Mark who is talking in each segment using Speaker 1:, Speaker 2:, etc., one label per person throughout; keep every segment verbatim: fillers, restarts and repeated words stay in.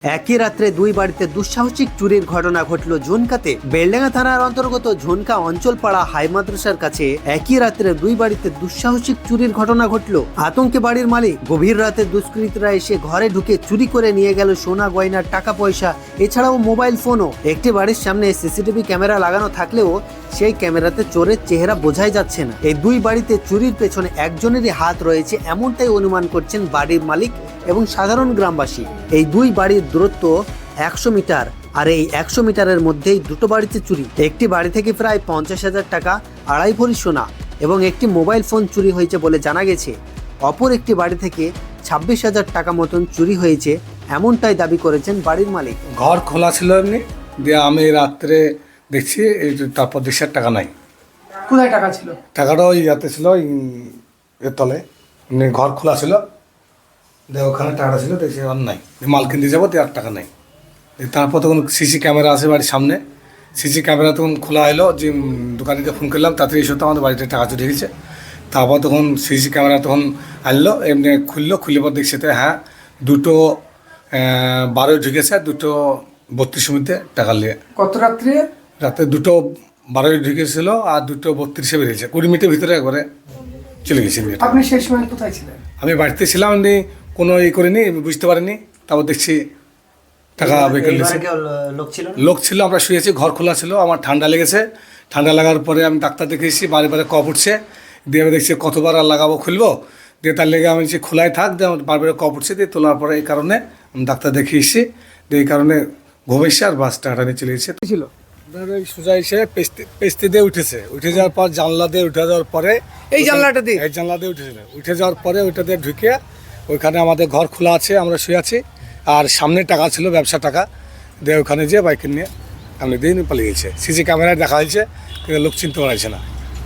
Speaker 1: একই রাত্রে দুই বাড়িতে দুঃসাহসিক চুরির ঘটনা ঘটল ঝুনকাতে। বেলডাঙ্গা থানার অন্তর্গত ঝুনকা অঞ্চলপাড়া হাই মাদ্রাসার কাছে একই রাত্রে দুই বাড়িতে দুঃসাহসিক চুরির ঘটনা ঘটল। আতঙ্কে বাড়ির মালিক। গভীর রাতে দুষ্কৃতীরা এসে ঘরে ঢুকে চুরি করে নিয়ে গেল সোনা গয়নার টাকা পয়সা, এছাড়াও মোবাইল ফোনও। একটি বাড়ির সামনে সিসিটিভি ক্যামেরা লাগানো থাকলেও সেই ক্যামেরাতে চোরের চেহারা বোঝাই যাচ্ছে না। এই দুই বাড়িতে চুরির পেছনে একজনেরই হাত রয়েছে, এমনটাই অনুমান করছেন বাড়ির মালিক এবং সাধারণ গ্রামবাসী। এই দুই বাড়ির দূরত্ব একশো মিটার, আর এই একশো মিটারের মধ্যেই দুটো বাড়িতে চুরি। একটি বাড়ি থেকে প্রায় পঞ্চাশ হাজার টাকা, আড়াই ভরি সোনা এবং একটি মোবাইল ফোন চুরি হয়েছে বলে জানা গেছে। অপর একটি বাড়ি থেকে ছাব্বিশ হাজার টাকা মতন চুরি হয়েছে, এমনটাই দাবি করেছেন বাড়ির মালিক।
Speaker 2: ঘর খোলা ছিল এমনি, দিয়ে আমি রাত্রে দেখছি এই তারপর দেখছি আর টাকা নাই।
Speaker 3: কোথায় টাকা ছিল?
Speaker 2: টাকাটা ওই ইয়াতে ছিল, এর তলে। এমনি ঘর খোলা ছিল, দিয়ে ওখানে টাকাটা ছিল, দেখছি আর নাই। মাল কিনতে যাবো, দিয়ে আর টাকা নাই। তারপর তখন সিসি ক্যামেরা আছে বাড়ির সামনে, সিসি ক্যামেরা তখন খোলা হলো, যে দোকানিকে ফোন করলাম তাড়াতাড়ি এসে তো আমাদের বাড়িতে টাকা চুরি গেছে। তারপর তখন সিসি ক্যামেরা তখন আনলো, এমনি খুললো, খুললে পর দেখছে তো হ্যাঁ দুটো বারোয় ঢুকেছে, দুটো বত্রিশের মধ্যে টাকা নিয়ে।
Speaker 3: কত রাত্রে?
Speaker 2: রাতে দুটো বারোয় ঢুকেছিল আর দুটো বত্রিশে বেরিয়েছে, কুড়ি মিনিটের ভিতরে একবারে চলে গেছে।
Speaker 3: আপনি সেই সময় কোথায় ছিলেন?
Speaker 2: আমি বাড়িতে ছিলাম, এমনি কোনো ই করিনি, বুঝতে পারিনি। তারপর দেখছি টাকা বের নিয়েছে। লোক ছিল, আমরা শুয়েছি, ঘর খোলা ছিল। আমার ঠান্ডা লেগেছে, ঠান্ডা লাগার পরে আমি ডাক্তার দেখেছি, বারে বারে কফ উঠছে। দিয়ে আমি দেখছি কতবার আর লাগাবো, খুলবো, দিয়ে তার লেগে আমি যে খোলাই থাক, দিয়ে আমার বারবার কফ উঠছে, দিয়ে তোলার পরে এই কারণে আমি ডাক্তার দেখিয়েছি, দিয়ে এই কারণে ঘুমেছে আর বাস টাকা নিয়ে চলে গেছে।
Speaker 3: ছিল
Speaker 2: সোজা এসে পেস্তি পেস্তি দিয়ে উঠেছে, উঠে যাওয়ার পর জানলা দিয়ে উঠে যাওয়ার পরে
Speaker 3: এই জানলাটা দিয়ে
Speaker 2: এই জানলা দিয়ে উঠেছিল, উঠে যাওয়ার পরে ওইটা দিয়ে ঢুকে ওইখানে আমাদের ঘর খোলা আছে, আমরা শুয়ে আছি, আর সামনে টাকা ছিল, ব্যবসা টাকা, দিয়ে ওখানে যেয়ে বাইক নিয়ে সামনে দিয়ে পালিয়ে গেছে। সিসি ক্যামেরায় দেখা হয়েছে, কিন্তু লোক চিনতে পারছে না।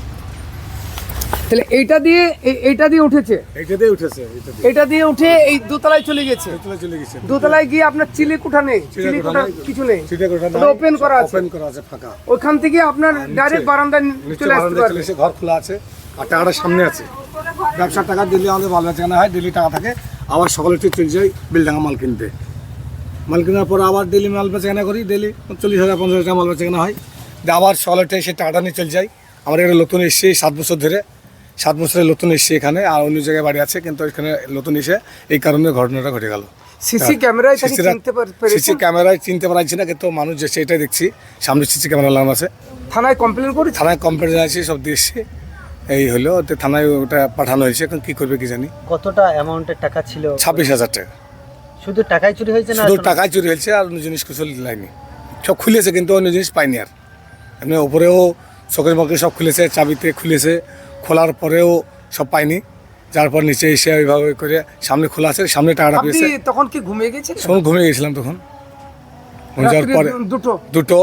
Speaker 3: তাহলে এইটা দিয়ে এইটা দিয়ে উঠেছে,
Speaker 2: এইটা দিয়ে উঠেছে,
Speaker 3: এটা দিয়ে উঠে এই দোতলায় চলে গেছে।
Speaker 2: চলে গেছে
Speaker 3: দোতলায় গিয়ে আপনার চিলেকোঠা নেই, চিলেকোঠা কিছু নেই, ওপেন করা আছে,
Speaker 2: ওপেন করা আছে, ফাঁকা।
Speaker 3: ওইখান থেকে আপনার ডাইরেক্ট বারান্দায় চলে আসতে পারবে।
Speaker 2: ঘর খোলা আছে আর টাকাটা সামনে আছে। ব্যবসার টাকা দিল্লি আমাদের ভালো বেচাকেনা হয়, দিল্লি টাকা থাকে, আবার সকালে একটু চলে যাই বেলডাঙ্গা মাল কিনতে। মাল কেনার পরে আবার ডেলি মাল বেচাকেনা করি, ডেলি চল্লিশ হাজার পঞ্চাশ হাজার মাল বেচাকেনা হয়, দিয়ে আবার সকালে এসে টাকাটা নিয়ে চলে যাই। আমরা এখানে নতুন এসেছি সাত বছর ধরে, সাত বছরের নতুন এসেছি এখানে, আর অন্য জায়গায় বাড়ি আছে, কিন্তু এখানে নতুন এসে এই কারণে ঘটনাটা ঘটে গেল।
Speaker 3: সিসি ক্যামেরায় চিনতে পারছেন?
Speaker 2: সিসি ক্যামেরায় চিনতে পারছি না, কিন্তু মানুষ যে সেটাই দেখছি, সামনে সিসি ক্যামেরা লাগানো আছে।
Speaker 3: থানায় কমপ্লেন করি,
Speaker 2: থানায় কমপ্লেন আছে, সব দিয়েছি। এই হলো, থানায় ওটা পাঠানো হয়েছে, এখন কী করবে কি জানি।
Speaker 1: কতটা অ্যামাউন্টের টাকা ছিল?
Speaker 2: ছাব্বিশ হাজার টাকা।
Speaker 1: শুধু টাকাই চুরি হয়েছে না?
Speaker 2: শুধু টাকায় চুরি হয়েছে, আর অন্য জিনিস কিছু লাইনি। সব খুলেছে, কিন্তু অন্য জিনিস পাইনি। আর এমনি ওপরেও চোখের মুখে সব খুলেছে, চাবিতে খুলেছে, খোলার পরেও সব পাইনি। যার পর নিচে এসে ওইভাবে করে সামনে খোলা আছে, সামনে টাকাটা পেয়েছে।
Speaker 3: তখন কি ঘুমিয়ে গেছিলেন?
Speaker 2: শোন, ঘুমিয়ে গেছিলাম তখন। যাওয়ার পরে দুটো দুটো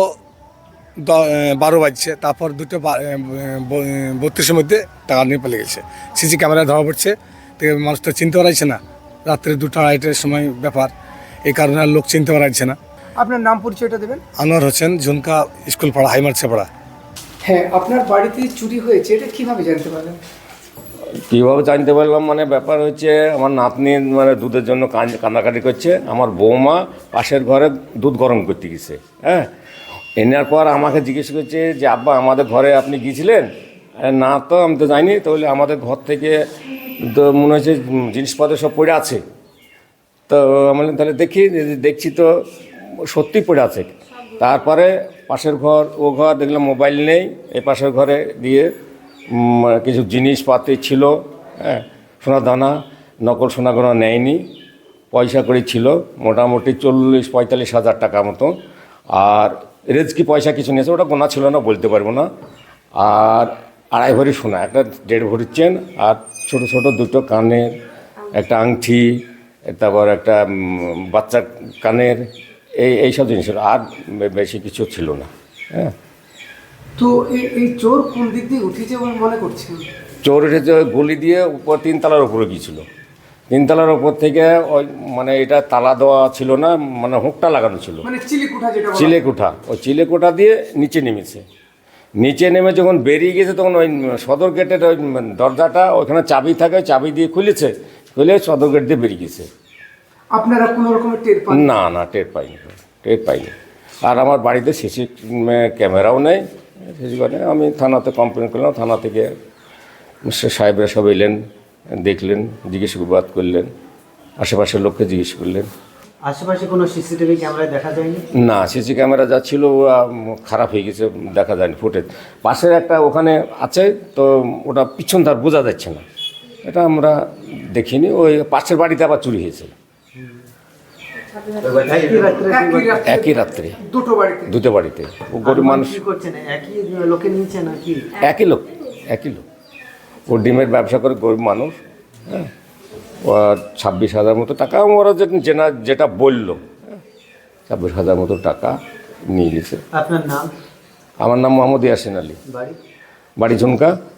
Speaker 2: বারো বাজছে, তারপর দুটো বত্রিশের মধ্যে টাকা নিয়ে পালিয়ে গেছে। সিসি ক্যামেরায় ধরা পড়ছে, মানুষ তো চিনতে পারছে না, রাত্রে দুটো আড়াইটার সময় ব্যাপার, এই কারণে আর লোক চিনতে পারছে না।
Speaker 3: আপনার নাম পরিচয়টা দেবেন?
Speaker 2: আনোয়ার হোসেন, ঝুনকা স্কুল পাড়া, হাই মাদ্রাসা।
Speaker 3: হ্যাঁ, আপনার বাড়িতে চুরি হয়েছে, এটা কিভাবে জানতে পারলেন?
Speaker 4: কীভাবে জানতে পারলাম মানে, ব্যাপার হচ্ছে আমার নাতনি মানে দুধের জন্য কান্নাকাটি করছে, আমার বৌমা পাশের ঘরে দুধ গরম করতে গেছে। হ্যাঁ, এনার পর আমাকে জিজ্ঞেস করছে যে আব্বা আমাদের ঘরে আপনি গিয়েছিলেন? না তো, আমি তো যাইনি। তাহলে আমাদের ঘর থেকে তো মনে হচ্ছে জিনিসপত্র সব পড়ে আছে। তো আমি তাহলে দেখি, দেখছি তো সত্যি পড়ে আছে। তারপরে পাশের ঘর, ও ঘর দেখলাম মোবাইল নেই, এই পাশের ঘরে দিয়ে কিছু জিনিসপাতি ছিল, হ্যাঁ, সোনা দানা, নকল সোনা গোনা নেয়নি, পয়সা করে ছিল মোটামুটি চল্লিশ পঁয়তাল্লিশ হাজার টাকা মতো। আর রেজকি পয়সা কিছু নিয়েছে, ওটা গোনা ছিল না, বলতে পারবো না। আর আড়াই ভরি সোনা, একটা দেড় ভরির চেন, আর ছোটো ছোটো দুটো কানের, একটা আংটি, তারপর একটা বাচ্চার কানের, এই এইসব জিনিস, আর বেশি কিছু ছিল না। হ্যাঁ,
Speaker 3: তো এই চোর কোন দিক দিয়ে উঠেছে বলে মনে করছেন?
Speaker 4: চোর উঠেছে গলি দিয়ে উপর, তিনতলার উপরে গিয়েছিল। তিনতলার উপর থেকে ওই মানে এটা তালা দেওয়া ছিল না, মানে হুকটা লাগানো ছিল,
Speaker 3: মানে চিলেকোঠা যেটা
Speaker 4: চিলেকোঠা, ওই চিলেকোঠা দিয়ে নিচে নেমেছে। নিচে নেমে যখন বেরিয়ে গেছে, তখন ওই সদর গেটের ওই দরজাটা, ওইখানে চাবি থাকে, চাবি দিয়ে খুলেছে, খুলে সদর গেট দিয়ে বেরিয়ে গেছে।
Speaker 3: আপনারা কোনো রকমের টের পান?
Speaker 4: না না টের পাইনি টের পাইনি আর আমার বাড়িতে সিসি ক্যামেরাও নেই সিসি ক্যামেরা আমি থানাতে কমপ্লেন করলাম থানা থেকে মিস্টার সাহেবরা সব এলেন দেখলেন জিজ্ঞাসাবাদ করলেন আশেপাশের লোককে জিজ্ঞেস করলেন।
Speaker 1: আশেপাশে কোনো সিসিটিভি ক্যামেরায় দেখা যায়নি?
Speaker 4: না সিসি ক্যামেরা যা ছিল খারাপ হয়ে গেছে দেখা যায়নি ফুটেজ। পাশের একটা ওখানে আছে তো ওটা পিছন ধার বোঝা যাচ্ছে না এটা আমরা দেখিনি ওই পাশের বাড়িতে আবার চুরি হয়েছে
Speaker 1: একই রাত্রে দুই
Speaker 3: একই
Speaker 1: বাড়ি-
Speaker 3: রাত্রে
Speaker 4: একই রাত্রে
Speaker 3: দুটো বাড়িতে?
Speaker 4: দুটো বাড়িতে ও গরিব মানুষ
Speaker 1: কি করছেন? একই লোকে নিয়েছে নাকি?
Speaker 4: একই লোক একই লোক ও ডিমের ব্যবসা করে গরিব মানুষ হ্যাঁ ওর ছাব্বিশ হাজার মতো টাকা ওরা যে যেটা যেটা বললো হ্যাঁ, ছাব্বিশ হাজার মতো টাকা নিয়ে গেছে।
Speaker 1: আপনার নাম?
Speaker 4: আমার নাম মোহাম্মদ ইয়াসিন আলী
Speaker 1: বাড়ি?
Speaker 4: বাড়ি ঝুমকা